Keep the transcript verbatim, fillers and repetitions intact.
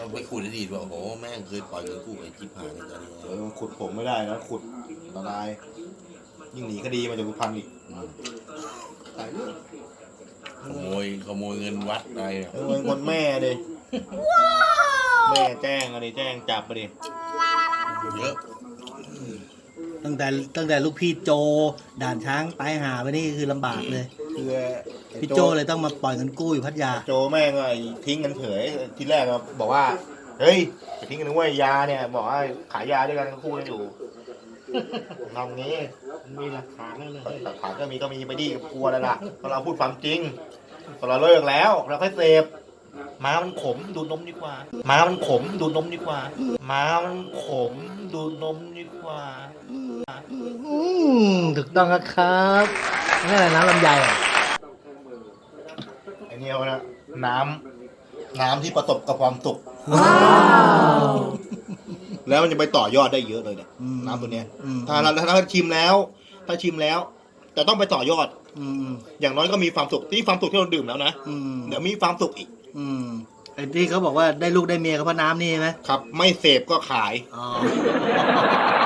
มันไปขุดอดีตว่าโอ้โหแม่งเคยปล่อยเงินกู้ไอ้จิ๊บหายในตอนนี้เออขุดผมไม่ได้นะขุดละลายยิ่งหนีคดีมาจากสุพรรณอีกตายเรื่องขโมยขโมยเงินวัดอะไรเนี่ยเออคนแม่ดิแม่แจ้งอะไรแจ้งจับไปดิเยอะตั้งแต่ตั้งแต่ลูกพี่โจด่านช้างตายหาไปนี่คือลำบากเลยคือไอ้พี่โจเลยต้องมาปล่อยเงินกู้อยู่พัทยาโจแม่งไอ้ทิ้งกันเฉยทีแรกก็บอกว่าเฮ้ยจะทิ้งกันด้วยยาเนี่ยบอกว่าขายยาด้วยกันคู่กันอยู่ทำงี้มีหลักฐานแล้วเลยหลักฐานก็มีก็มีไปดิกลัวแล้วล่ะเพราะเราพูดความจริงพอเราเลิกแล้วเราค่อยเสพม้ามันขมดูดนมดีกว่าม้ามันขมดูดนมดีกว่าม้ามันขมดูดนมดีกว่าอืมถูกต้องครับนี่อะไรน้ำลำไยอ่ะไอเนี่ยนะน้ำน้ำที่ประสบกับความสุขว้าวแล้วมันจะไปต่อยอดได้เยอะเลยเนี่ยอืมน้ำตัวเนี้ยอืมถ้าเราถ้าชิมแล้ว ถ้าชิมแล้วจะต้องไปต่อยอดอืมอย่างน้อยก็มีความสุขที่ความสุขที่เราดื่มแล้วนะอืมเดี๋ยวมีความสุขอีกอืมไอ้ที่เขาบอกว่าได้ลูกได้เมียกับพ่อน้ำนี่ใช่ไหมครับ ไม่เสพก็ขายอ๋อ